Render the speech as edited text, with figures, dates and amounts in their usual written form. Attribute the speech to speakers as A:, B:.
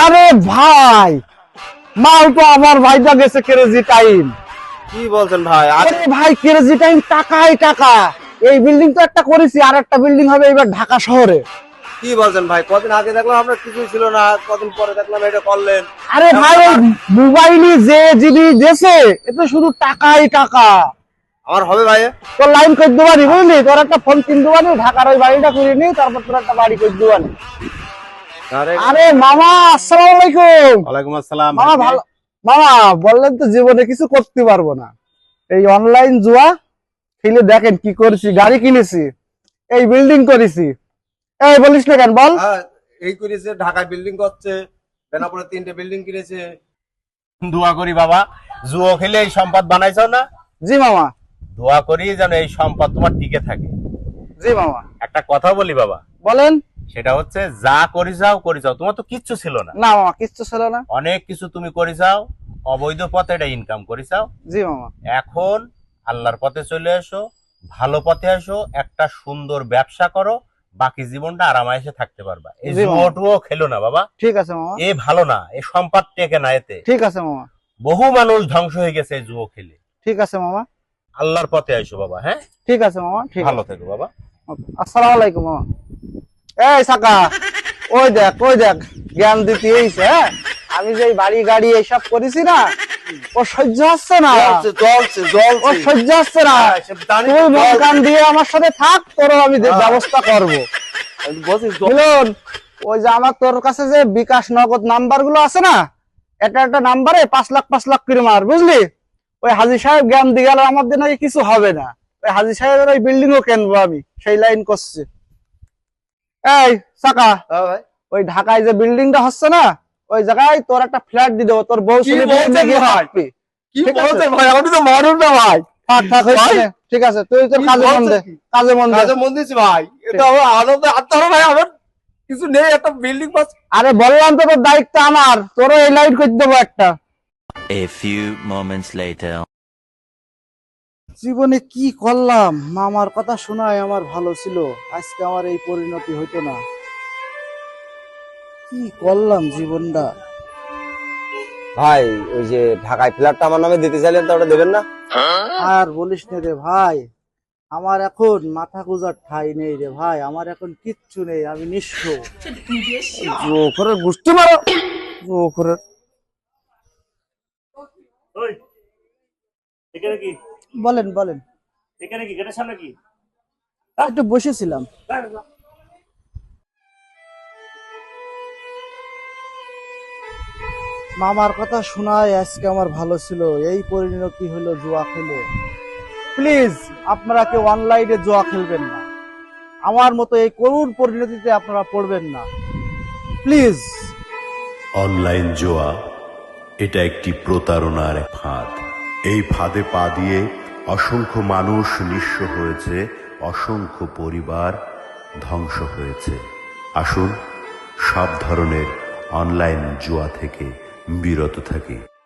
A: আরে ভাই, মাল তো আমার ভাইটা গেছে ক্রেজি টাইম।
B: কি বলছেন ভাই?
A: আরে ভাই, ক্রেজি টাইম টাকাই টাকা। এই বিল্ডিং তো একটা করেছি, আর একটা বিল্ডিং হবে এবার ঢাকা শহরে।
B: কি বলছেন ভাই? কদিন আগে দেখলাম আপনার কিছুই ছিল না, কদিন পরে দেখলাম এটা করলেন।
A: আরে ভাই, ওই মোবাইলে যে জিবি দেশে এতে শুধু টাকাই টাকা।
B: আমার হবে ভাই।
A: তোর লাইন করে দেবানি, বুঝলি? তোর একটা ফোন কিনে দেবানি, ঢাকার ওই বাড়িটা করে নি, তারপর তোর একটা বাড়ি করে দেবানি। আরে মামা, আসসালামু আলাইকুম।
B: ওয়ালাইকুম আসসালাম।
A: মামা ভালো? মামা বললেন তো জীবনে কিছু করতে পারবো না, এই অনলাইন জুয়া খেলে দেখেন কি করেছি। গাড়ি কিনেছি, এই বিল্ডিং করেছি। এই বলিস না কেন, বল।
B: এই করেছে, ঢাকায় বিল্ডিং করছে, বেনাপুরে 3টে বিল্ডিং কিনেছে। দোয়া করি বাবা, জুয়ো খেলে এই সম্পদ বানাইছো না?
A: জি মামা।
B: দোয়া করি যেন এই সম্পদ তোমার টিকে থাকে।
A: জি মামা।
B: একটা কথা বলি বাবা,
A: বলেন।
B: সেটা হচ্ছে যা করি যাও তোমার তো কিচ্ছু ছিল না।
A: না মামা, কিচ্ছু ছিল না।
B: অনেক কিছু তুমি করে যাও, অবৈধ পথে এটা ইনকাম করে যাও।
A: জি মামা।
B: এখন আল্লাহর পথে চলে এসো, ভালো পথে আসো, একটা সুন্দর ব্যবসা করো, বাকি জীবনটা আরামায়েশে থাকতে পারবা। এই
A: জি মামা।
B: জুয়োটুও খেলো না বাবা।
A: ঠিক আছে মামা।
B: এ ভালো না, এ সম্পদ টেকে না এতে।
A: ঠিক আছে মামা।
B: বহু মানুষ ধ্বংস হয়ে গেছে এই জুয়ো খেলে।
A: ঠিক আছে মামা।
B: আল্লাহর পথে আইসো বাবা। হ্যাঁ,
A: ঠিক আছে মামা। ঠিক
B: ভালো
A: আছে।
B: থেকো বাবা।
A: আসসালামু আলাইকুম মামা। এই সাকা, ওই দেখ ওই দেখ, জ্ঞান দিতে এইছে। হ্যাঁ, আমি যে এই বাড়ি গাড়ি এইসব করেছি না, ও সহ্য হচ্ছে না। ও সহ্য হচ্ছে না। তুই মন কান দিয়ে আমার সাথে থাক, তোর আমি ব্যবস্থা করবো। মিলন, ওই যে আমার তোর কাছে যে বিকাশ নগদ নাম্বার গুলো আছে না, একটা একটা নাম্বারে 5 লাখ করে মার, বুঝলি? ওই হাজী সাহেব জ্ঞান দিয়ে গেল, আমার দিয়ে নাকি কিছু হবে না। ওই হাজী সাহেবের ওই বিল্ডিং ও কেনবো আমি, সেই লাইন করছি। এই সাকা, ওই ঢাকায় যে বিল্ডিংটা হচ্ছে না, ওই জায়গায় তোর একটা ফ্ল্যাট দিয়ে দেবো, তোর বউ ছেলে থাকবি।
B: কি বলছেন ভাই? আমি তো মানুষ না ভাই।
A: থাক থাক, হয়েছে। ঠিক আছে, তুই তোর কাজে মন দে, কাজে মন দে।
B: কাজে মন দিয়েছি ভাই, এটা আমার আনন্দ আত্মার ভাই। আমার কিছু নেই, একটা বিল্ডিং পাস।
A: আরে বললাম তো, তোর দায়িত্ব আমার, তোরও এই লাইট করে দেবো একটা।
C: A few moments later.
A: জীবনে কি করলাম? মামার কথা শোনায় আমার ভালো ছিল, আজকে আমার এই পরিণতি হইতো না। কি করলাম জীবনটা।
B: ভাই, ওই যে ঢাকায় ফ্ল্যাটটা আমার নামে দিতে চাইলেন, তো ওটা দেবেন না?
A: আর বলিস না রে ভাই, আমার এখন মাথা গুজার ঠাই নেই রে ভাই, আমার এখন কিচ্ছু নেই, আমি নিঃস্ব। জোখরের গুষ্টি মারো, জোখরের।
D: ওই, এখানে কি?
A: বলেন বলেন।
D: এখানে কি? গেটের সামনে কি?
A: একটু বসেছিলাম। মামার কথা শোনায় আজকে আমার ভালো ছিল, এই পরিণতি হলো জুয়া খেলে। প্লিজ আপনারা কেউ অনলাইনে জুয়া খেলবেন না, আমার মতো এই করুণ পরিণতিতে আপনারা পড়বেন না, প্লিজ।
E: অনলাইন জুয়া এটা একটি প্রতারণার ফাঁদ। এই ফাঁদে পা দিয়ে অসংখ্য মানুষ নিঃস্ব হয়েছে, অসংখ্য পরিবার ধ্বংস হয়েছে। আসুন সব ধরনের অনলাইন জুয়া থেকে বিরত থাকি।